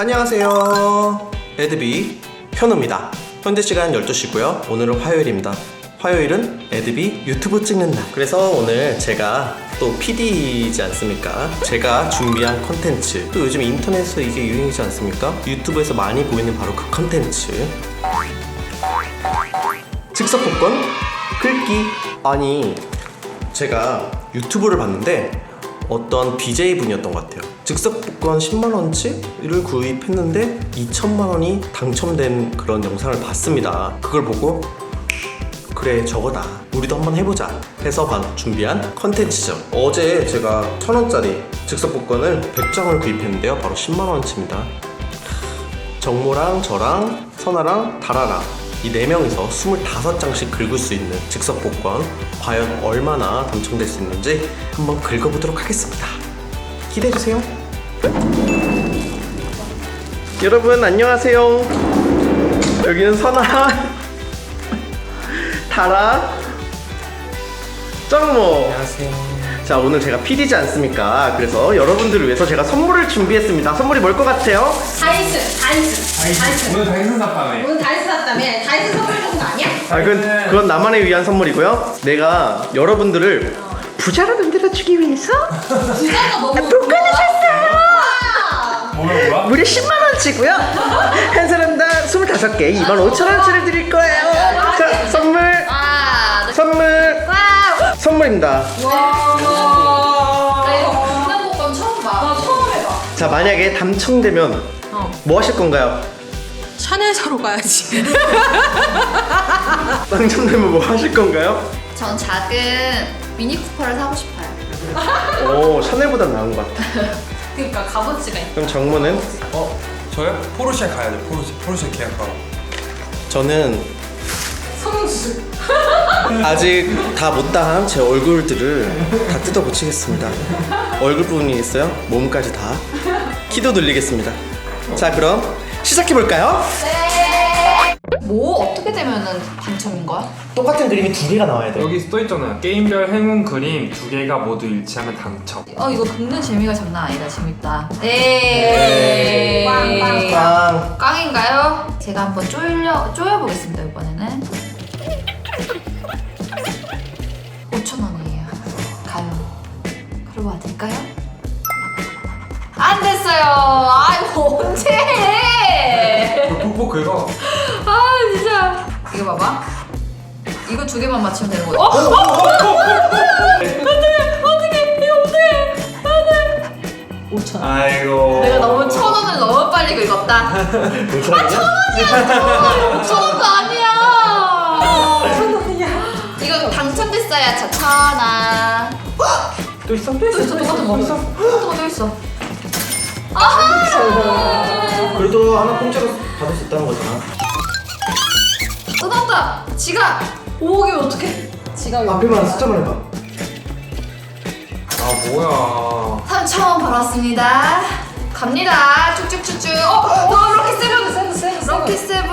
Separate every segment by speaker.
Speaker 1: 안녕하세요. 에드비 현우입니다. 현재 시간 12시고요. 오늘은 화요일입니다. 화요일은 에드비 유튜브 찍는 날. 그래서 오늘 제가 또 PD이지 않습니까? 제가 준비한 컨텐츠, 또 요즘 인터넷에서 이게 유행이지 않습니까? 유튜브에서 많이 보이는 바로 그 컨텐츠, 즉석 복권 긁기. 아니, 제가 유튜브를 봤는데 어떤 BJ 분이었던 것 같아요. 즉석 복권 10만원치를 구입했는데 2천만원이 당첨된 그런 영상을 봤습니다. 그걸 보고 그래, 저거다, 우리도 한번 해보자 해서 준비한 컨텐츠죠. 어제 제가 1,000원짜리 즉석 복권을 100장을 구입했는데요, 바로 10만원치입니다. 정모랑 저랑 선아랑 다라랑 이 4명이서 25장씩 긁을 수 있는 즉석 복권, 과연 얼마나 당첨될 수 있는지 한번 긁어보도록 하겠습니다. 기대해주세요. 여러분 안녕하세요. 여기는 선아, 다라, 정모.
Speaker 2: 안녕하세요.
Speaker 1: 자, 오늘 제가 PD지 않습니까? 그래서 여러분들을 위해서 제가 선물을 준비했습니다. 선물이 뭘 것 같아요?
Speaker 2: 다이슨. 오늘 다이슨 샀다며.
Speaker 3: 오늘 다이슨 샀다며? 다이슨 선물 주는 거 아니야?
Speaker 1: 그건 나만을 위한 선물이고요. 내가 여러분들을 부자로 만들어주기 위해서
Speaker 3: 부자가 너무
Speaker 1: 복권을 샀어요.
Speaker 2: 뭐야?
Speaker 1: 무려 10만원치고요. 한 사람당 25개 25,000원치를 드릴 거예요. 자, 선물. 선물입니다.
Speaker 3: 나 이거 국내복권 처음 봐. 나 처음 해봐.
Speaker 1: 자, 만약에 당첨되면 뭐 하실 건가요?
Speaker 3: 샤넬 사러 가야지.
Speaker 1: 당첨되면 뭐 하실 건가요?
Speaker 4: 전 작은 미니쿠퍼를 사고 싶어요.
Speaker 1: 오, 샤넬보다 나은 것 같아.
Speaker 3: 그러니까 값어치가 있다.
Speaker 1: 그럼 정모는?
Speaker 2: 저요? 포르쉐 가야죠. 포르쉐 계약하러.
Speaker 1: 저는
Speaker 3: 성수.
Speaker 1: 아직 다 못다한 제 얼굴들을 다 뜯어 고치겠습니다. 얼굴 부분이 있어요. 몸까지 다. 키도 늘리겠습니다. 자, 그럼 시작해볼까요?
Speaker 4: 네. 뭐 어떻게 되면은 당첨인 거야?
Speaker 1: 똑같은 그림이 2개가 나와야 돼요.
Speaker 2: 여기 써있잖아요. 게임별 행운 그림 2개가 모두 일치하면 당첨.
Speaker 4: 이거 긁는 재미가 장난 아니다. 재밌다. 네.
Speaker 1: 빵.
Speaker 4: 깡인가요? 제가 한번 쪼여보겠습니다. 이번에는 5,000원이에요. 가요. 그러고 될까요? 안 됐어요. 이거 언제 해?
Speaker 2: 뽀뽀 긁어.
Speaker 4: 진짜. 이거 봐봐. 이거 2개만 맞추면 되는 거야. 어떡해. 5,000원.
Speaker 2: 아이고.
Speaker 4: 내가 너무 1,000원을 너무 빨리 긁었다.
Speaker 1: 5,000원이야?
Speaker 4: 5,000원도 아니야.
Speaker 3: 5,000원이야.
Speaker 4: 이거 당첨됐어야 1,000원.
Speaker 2: 또 있어?
Speaker 4: 또 있어. 똑같은 거. 똑같은 거 또 있어.
Speaker 1: 그래도 하나 공짜로 받을 수 있다는 거잖아.
Speaker 4: 뜯었다. 지갑. 5억이면 어떡해?
Speaker 3: 지갑이
Speaker 1: 앞에만 숫자만 해봐.
Speaker 2: 뭐야.
Speaker 4: 3,000원 벌었습니다. 갑니다. 쭉쭉쭉쭉. 럭키 세븐.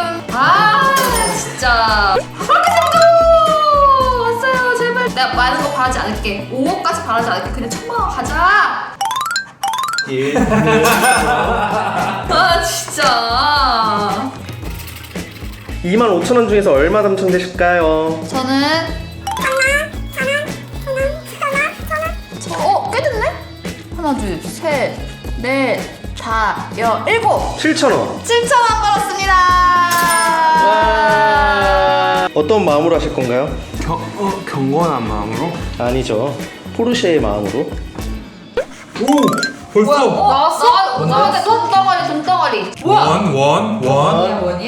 Speaker 4: 진짜. 럭키 세븐 왔어요. 제발. 내가 많은 거 바라지 않을게. 5억까지 바라지 않을게. 그냥 1,000만 원 가자.
Speaker 1: 예.
Speaker 4: 진짜.
Speaker 1: 25,000원 중에서 얼마 당첨되실까요?
Speaker 4: 저는 꽤 됐네? 하나, 둘, 셋, 넷, 다, 7.
Speaker 1: 7,000원.
Speaker 4: 7,000원 벌었습니다.
Speaker 1: 와. 어떤 마음으로 하실 건가요?
Speaker 2: 경건한 마음으로?
Speaker 1: 아니죠. 포르쉐의 마음으로.
Speaker 2: 오! 벌써!
Speaker 4: 나왔어? 나한테 돈덩어리.
Speaker 2: 원?
Speaker 4: 이게 뭐냐?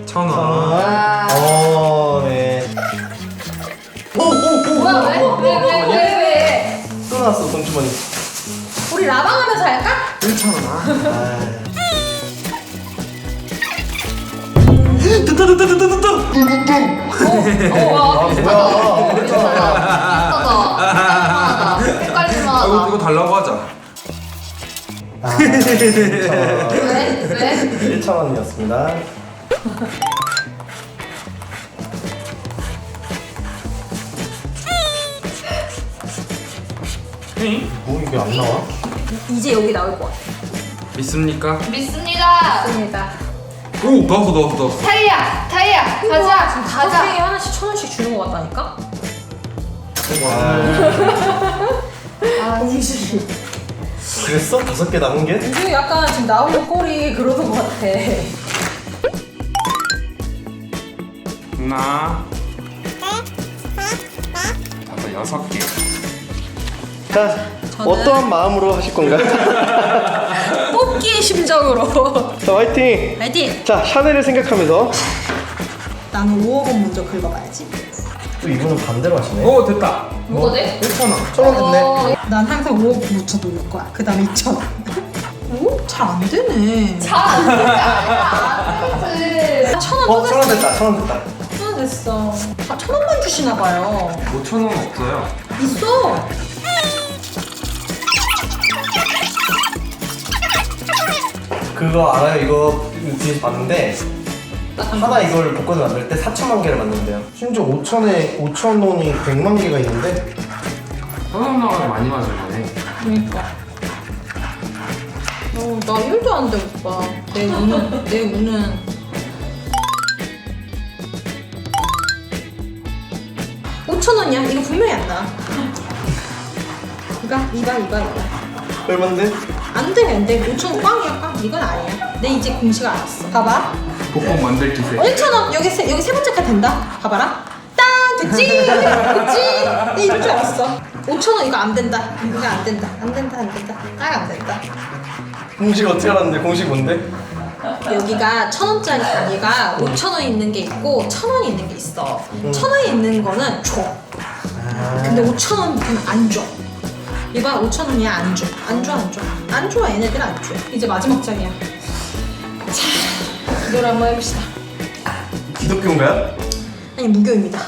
Speaker 2: 1,000원.
Speaker 1: 네.
Speaker 4: 뭐야, 왜?
Speaker 1: 또 나왔어, 동주머니.
Speaker 3: 우리 라방하면서 할까?
Speaker 2: 1,000원.
Speaker 4: 비슷하다. 헷갈릴만 하다.
Speaker 2: 이거 달라고 하자.
Speaker 4: 왜?
Speaker 1: 1,000원이었습니다.
Speaker 2: 응?
Speaker 1: 뭐 이게 안 나와?
Speaker 3: 이제 여기 나올 것 같아.
Speaker 2: 믿습니까?
Speaker 4: 믿습니다.
Speaker 3: 맞습니다.
Speaker 2: 오 나왔어.
Speaker 4: 타이야 가자
Speaker 3: 지금
Speaker 4: 가자.
Speaker 3: 5개에 하나씩 1,000원씩 주는 것 같다니까? 공식.
Speaker 1: 그랬어? 5개 남은 게?
Speaker 3: 지금 약간 지금 나오는 꼴이 그러는 것 같아.
Speaker 2: 하나 6개.
Speaker 1: 자, 어떠한 마음으로 하실 건가요?
Speaker 3: 뽑기의 심정으로.
Speaker 1: 자, 화이팅!
Speaker 3: 파이팅!
Speaker 1: 자, 샤넬을 생각하면서
Speaker 3: 나는 5억 원 먼저 긁어봐야지.
Speaker 1: 또 이분은 반대로 하시네.
Speaker 2: 오 됐다.
Speaker 4: 뭐가 돼?
Speaker 2: 1,000원.
Speaker 1: 1,000원 됐네.
Speaker 3: 난 항상 5억 묻혀 놓을 거야. 그 다음에 2,000원. 오? 잘 안 되네.
Speaker 4: 잘안 되지 안 되지.
Speaker 3: 1,000원
Speaker 1: 어,
Speaker 3: 또
Speaker 1: 1,000원
Speaker 3: 됐어.
Speaker 1: 됐다. 1,000원 됐다.
Speaker 3: 1,000원 됐어. 아, 1,000원만 주시나 봐요.
Speaker 2: 5,000원 없어요.
Speaker 3: 있어.
Speaker 1: 그거 알아요? 이거 뒤에서 봤는데 하나 이걸 복권을 만들 때 4천만 개를 만든대요. 심지어 5,000원이 100만 개가 있는데
Speaker 2: 천원 나가서 많이 맞은 거네.
Speaker 3: 그러니까. 나 1도 안 돼, 오빠. 내 운은. $5,000원이야. 이거 분명히 안 나. 이봐.
Speaker 1: 얼만데?
Speaker 3: 안 돼. 5,000원 꽝이야, 꽝. 이건 아니야. 내 이제 공식 알았어. 봐봐.
Speaker 2: 복권 만들 기세.
Speaker 3: 1,000원. 여기 세 번째 칸 된다. 봐봐라. 땅! 됐지? 내 이럴 줄 알았어. 5,000원 이거 안 된다. 이거 안 된다. 딱 안 된다.
Speaker 1: 공식 어떻게 알았는데? 공식 뭔데?
Speaker 3: 여기가 1,000원짜리 단위가 5,000원 있는 게 있고 1,000원이 있는 게 있어. 1,000원이 있는 거는 줘. 근데 5,000원은 안 줘. 이봐 5,000원이야 안 줘. 안 줘. 얘네들 안 줘. 이제 마지막 장이야. 자, 이걸 한번 해봅시다.
Speaker 1: 기독교인가요?
Speaker 3: 아니 무교입니다.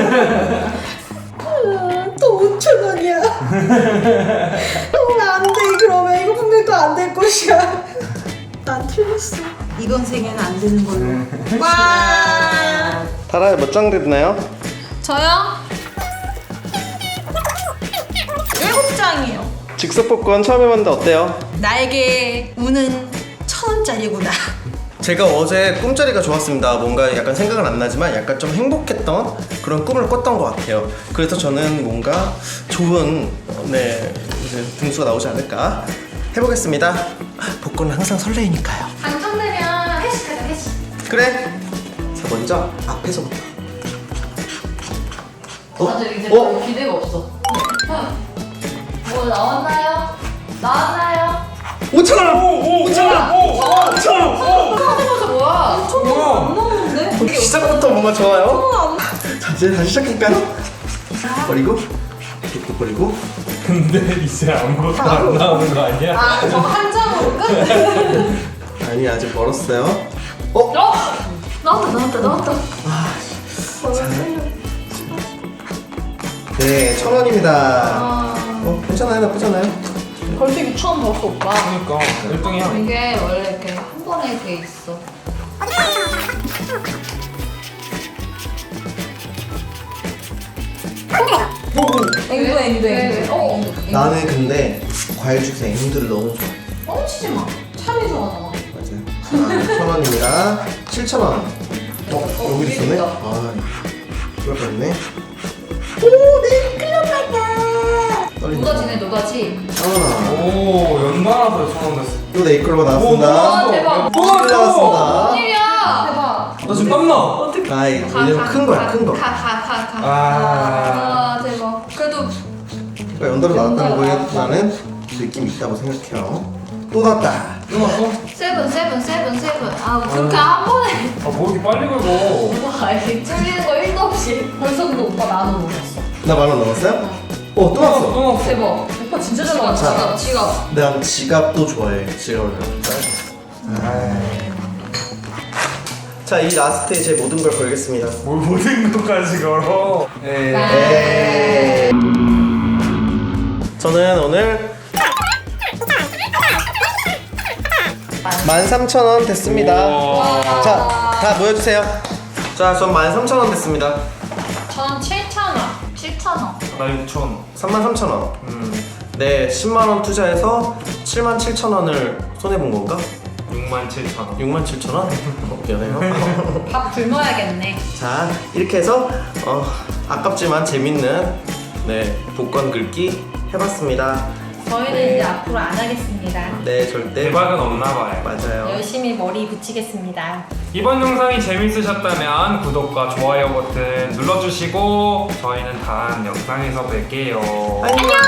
Speaker 3: 또 5,000원이야. 안 돼. 그러면 이거 분명히 또 안 될 것이야. 난 틀렸어. 이번 생에는 안 되는 걸로. 와.
Speaker 1: 다라에 몇 장 됐나요?
Speaker 3: 저요? 7장이요.
Speaker 1: 즉석 복권 처음 해봤는데 어때요?
Speaker 3: 나에게 운은 1,000원짜리구나.
Speaker 1: 제가 어제 꿈자리가 좋았습니다. 뭔가 약간 생각은 안 나지만 약간 좀 행복했던 그런 꿈을 꿨던 것 같아요. 그래서 저는 뭔가 좋은 이제 등수가 나오지 않을까 해보겠습니다. 복권은 항상 설레이니까요.
Speaker 4: 당첨되면 회식하자 회식.
Speaker 1: 그래. 자 먼저 앞에서부터.
Speaker 4: 다들 이제 별 기대가 없어. 뭐 나왔나요?
Speaker 1: 5,000원! 5,000원! 5,000원!
Speaker 4: 하자마자 뭐야?
Speaker 3: 안 나오는데?
Speaker 1: 시작부터 뭔가 좋아요. 자 이제 다시 시작할까요? 버리고 이렇게 버리고.
Speaker 2: 근데 이제 아무것도 안 나오는 거 아니야?
Speaker 3: 저 한 장으로 끝?
Speaker 1: 아니 아직 멀었어요.
Speaker 4: 나왔다.
Speaker 1: 네 1,000원입니다. 괜찮아요, 나쁘지 않아요.
Speaker 3: 벌써 6,000원 벌었어 오빠.
Speaker 2: 그러니까 1등이야.
Speaker 4: 이게 원래 이렇게 한 번에 이렇게 있어.
Speaker 3: 앵두.
Speaker 1: 나는 근데 과일 주스 앵두를 너무 좋아.
Speaker 3: 뻥치지 마. 참이 좋아하잖아.
Speaker 1: 맞아요. 1,000원입니다. 7,000원. 여기 있었네? 아, 그럴 뻔했네. 오, 내 클럽이야. 떨린다.
Speaker 4: 노다지.
Speaker 1: 아,
Speaker 2: 오 연달아서 1,000원 됐어.
Speaker 1: 또 네이클로가
Speaker 2: 오,
Speaker 1: 나왔습니다.
Speaker 4: 와 대박.
Speaker 1: 또 나왔습니다.
Speaker 4: 웬일이야? 대박.
Speaker 2: 나 지금 땀나.
Speaker 1: 아, 왜냐면 큰 거야, 큰 거.
Speaker 4: 가.
Speaker 2: 아.
Speaker 4: 아 대박. 그래도
Speaker 1: 그러니까 연달아 나왔다는 거에 나는 느낌이 있다고 생각해요. 또 나왔다.
Speaker 2: 끝났어?
Speaker 4: 세븐. 아 그렇게 한 번에.
Speaker 2: 아뭐 이렇게 빨리 긁어.
Speaker 4: 와 이게 찔리는 거 1도 없이.
Speaker 3: 벌써 근데 오빠 10,000원 넘었어.
Speaker 1: 나 10,000원 넘었어요? 또 나왔어.
Speaker 2: 또 나왔어.
Speaker 4: 대박.
Speaker 3: 오빠 진짜 잘 나왔다.
Speaker 4: 지갑.
Speaker 1: 난 지갑도 좋아해. 지갑을 자, 이 라스트에 제 모든 걸 걸겠습니다.
Speaker 2: 뭘 모든 것까지 걸어.
Speaker 1: 네. 저는 오늘 13,000원 됐습니다.
Speaker 2: 우와.
Speaker 1: 자, 다 모여주세요. 자, 전 13,000원 됐습니다.
Speaker 3: 전 7,000원.
Speaker 4: 7,000원.
Speaker 2: 나 6,000원.
Speaker 1: 33,000원. 네, 10만원 투자해서 77,000원을 손해본 건가?
Speaker 2: 67,000원.
Speaker 1: 67,000원? 미안해요.
Speaker 3: 밥 굶어야겠네.
Speaker 1: 자, 이렇게 해서 아깝지만 재밌는 복권 긁기 해봤습니다.
Speaker 3: 저희는 이제 앞으로 안 하겠습니다.
Speaker 1: 네, 절대.
Speaker 2: 대박은 없나봐요.
Speaker 1: 맞아요.
Speaker 3: 열심히 머리 붙이겠습니다.
Speaker 2: 이번 영상이 재밌으셨다면 구독과 좋아요 버튼 눌러주시고 저희는 다음 영상에서 뵐게요.
Speaker 1: 안녕.